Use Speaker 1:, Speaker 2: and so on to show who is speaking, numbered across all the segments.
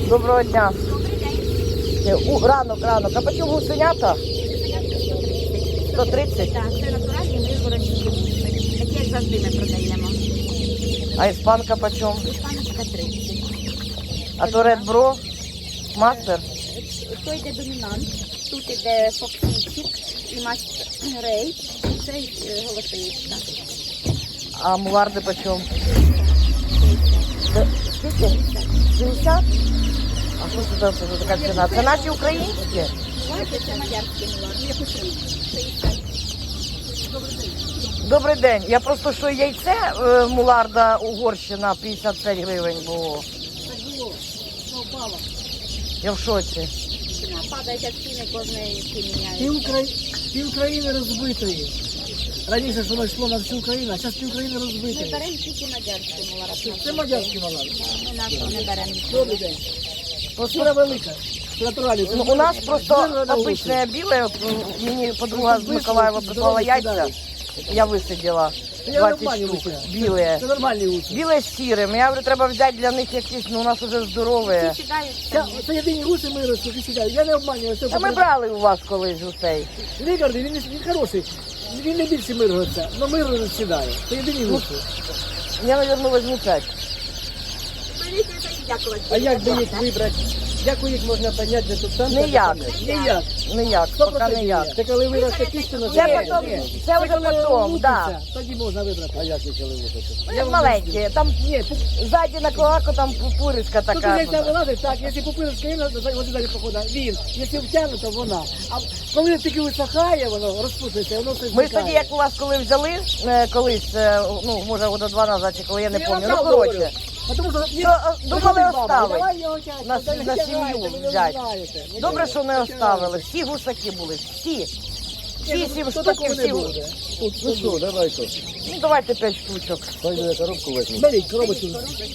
Speaker 1: Доброго дня.
Speaker 2: Добрий день.
Speaker 1: Ранок. А по чому гусенята? 130?
Speaker 2: Так, це натуральні вигородні гуси. Такі, як завжди, ми продаємо.
Speaker 1: А іспанка по чому?
Speaker 2: Іспаночка 30.
Speaker 1: А то Red Bro? Мастер?
Speaker 2: То йде домінант, тут йде фоксічик і мастер рей, і це голосиничка.
Speaker 1: А муларди по чому? Скільки? 60? А що це за така ціна? Це наші українські?
Speaker 2: Бачите, це мадярський мулар.
Speaker 1: Добрий день. Я просто що яйце муларда Угорщина 55 гривень було. Я в шоці.
Speaker 2: Ціна падає, як ціни кожної міняють.
Speaker 3: Пів України розбитої. Раніше ж воно йшло на всю Україну, а зараз пів України
Speaker 2: Ми
Speaker 3: розбитої.
Speaker 2: беремо тільки мадярський мулар.
Speaker 3: Це мадярський малар.
Speaker 2: Ми нашого не беремо.
Speaker 3: Добрий день. Шкура велика. Натуральний.
Speaker 1: Ну, у нас просто обичне біле. Мені подруга з Миколаєва прислала яйця. Я висиділа 20 штук. Біле.
Speaker 3: Це нормальні гуси.
Speaker 1: Біле з сірим. Я говорю, треба взяти для них якісь, ну у нас вже здорове.
Speaker 2: Всі сідають.
Speaker 3: Це єдині гуси ми ростуть і сідають. Я не обманюю.
Speaker 1: А ми брали у вас колись гусей.
Speaker 3: Лікарний, він хороший. Він не більше миргується, але мирно сідає. Це єдині гуси.
Speaker 1: Я, мабуть, візьму 5.
Speaker 2: Беріть це і дякувати.
Speaker 4: А як би їх вибрати? Як їх можна поняти, де тут самка?
Speaker 1: Ніяк.
Speaker 3: Ніяк.
Speaker 1: Ніяк, поки ніяк.
Speaker 3: Це коли виросте кістина,
Speaker 1: Це потім, це вже потім, так.
Speaker 3: Тоді можна вибрати.
Speaker 4: А як їх коли випити?
Speaker 1: Вони маленькі, там
Speaker 3: Ні,
Speaker 1: ззаді на клаку там пупиришка
Speaker 3: тут
Speaker 1: така.
Speaker 3: яйця вилазить, так, якщо пупирочка є, то вони далі походить. Він, якщо втягне, то вона. А коли тільки висохає, воно розпуститься, воно все
Speaker 1: Ми ж тоді, як у вас коли взяли, колись, ну, може, года 2 назад, чи коли, я не пам'ятаю, ну, коротше.
Speaker 3: Тому що
Speaker 1: думали оставити.
Speaker 3: Давай його тягти,
Speaker 1: На
Speaker 3: та не
Speaker 1: сім'ю
Speaker 3: тягайте, ви не
Speaker 1: взяти.
Speaker 3: знаєте.
Speaker 1: Добре, що не оставили. Всі гусаки були, всі. Всі 7
Speaker 3: Хто
Speaker 1: штук і
Speaker 3: такого не
Speaker 1: всі.
Speaker 3: буде?
Speaker 4: Ну що, давайте.
Speaker 1: Ну, давайте 5 штучок.
Speaker 4: Пойду я коробку візьму.
Speaker 3: Беріть коробочку.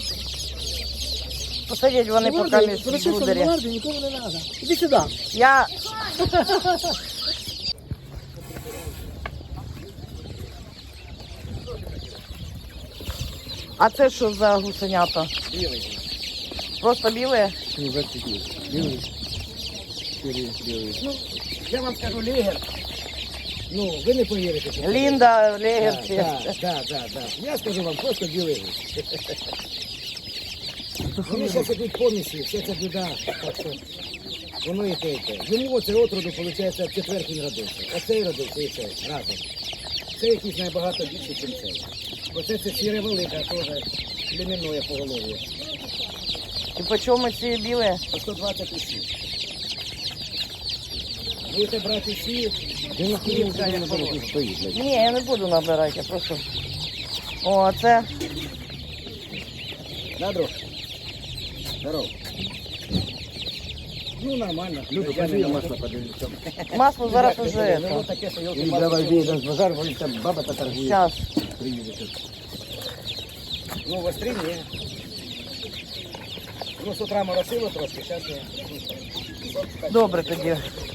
Speaker 1: Посадять вони поки між брудері.
Speaker 3: Нікому не треба. Іди сюди.
Speaker 1: Я... А це що за гусенята?
Speaker 4: Білий.
Speaker 1: Просто біле?
Speaker 4: Ну, зацікли. Білий. Білий.
Speaker 3: Ну, я вам скажу, Лігер. Ну, ви не повірите. що це.
Speaker 1: Лінда, легерці.
Speaker 3: Да. Я скажу вам, просто білий. Вони зараз ідуть помісі, вся ця біда. Так що воно і те. Йому оце отроду, виходить, четвертий родився. Оцей родився і цей разом. Це якийсь набагато більше, ніж цей. Оце сіре велика, теж племінне поголов'я.
Speaker 1: І по чому ці біле?
Speaker 3: По 120 усі. Будете брати всі,
Speaker 4: Він
Speaker 3: кілька, як положено.
Speaker 4: стоїть.
Speaker 1: Ні, я не буду набирати, я прошу. О, а це
Speaker 3: Да, друг? Здорово. Ну, нормально.
Speaker 4: Люду,
Speaker 3: Я
Speaker 4: пошли
Speaker 3: не
Speaker 4: на
Speaker 3: масло.
Speaker 4: масло подивлюся.
Speaker 1: масло зараз уже.
Speaker 3: Ну, вот таке, що
Speaker 4: І давай вийдемо з базару, бо там баба та торгує.
Speaker 1: Зараз.
Speaker 4: Приїде тут.
Speaker 3: Ну, в острі ні. Ну, з утра моросило трошки, зараз я...
Speaker 1: Добре тоді.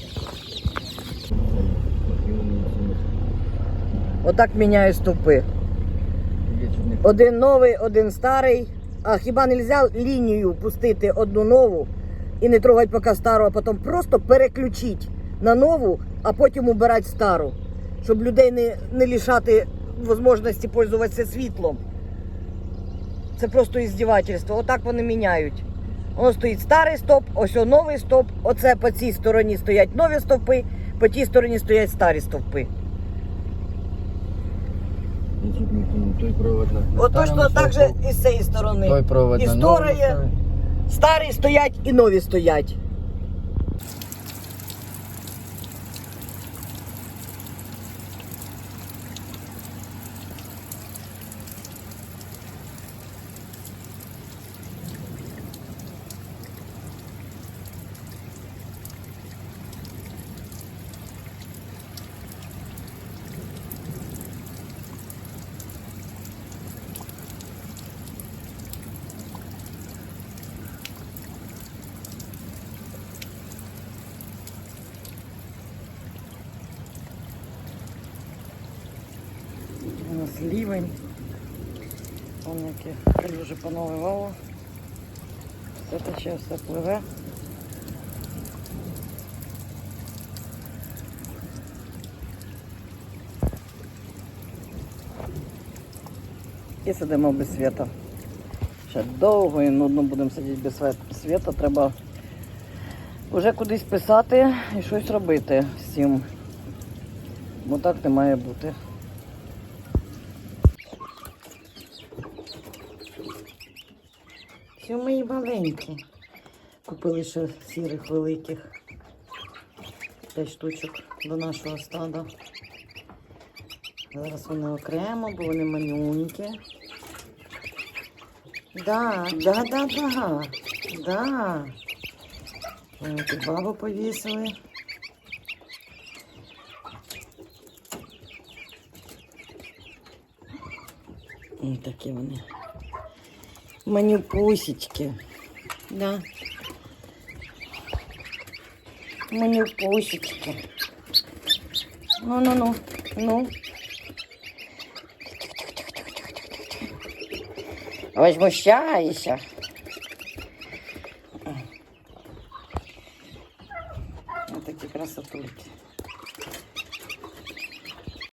Speaker 1: Отак міняю стовпи. Один новий, один старий. А хіба не можна лінію пустити одну нову і не трогати поки стару, а потім просто переключити на нову, а потім убирати стару, щоб людей не лишати можливості пользуватися світлом. Це просто іздівательство. Отак вони міняють. Воно стоїть старий стоп, ось новий стоп, оце по цій стороні стоять нові стовпи, по тій стороні стоять старі стовпи.
Speaker 4: Той провод на
Speaker 1: От точно так же і з цієї сторони.
Speaker 4: Той провод на
Speaker 1: Історія, старі стоять і нові стоять. У нас лівень. Вон які калюжі поналивало. Це ще все пливе. І сидимо без світу. Ще довго і нудно будемо сидіти без світу. Треба вже кудись писати і щось робити з цим. Бо так не має бути. Все мої маленькі. Купили ще сірих великих. 5 штучок до нашого стада. Зараз вони окремо, бо вони манюнькі. Да. Вони тут бабу повісили. Ось такі вони. Манюпусечки. Да. Манюпусечки. Ну. Возмущайся. Ось такі красотульки.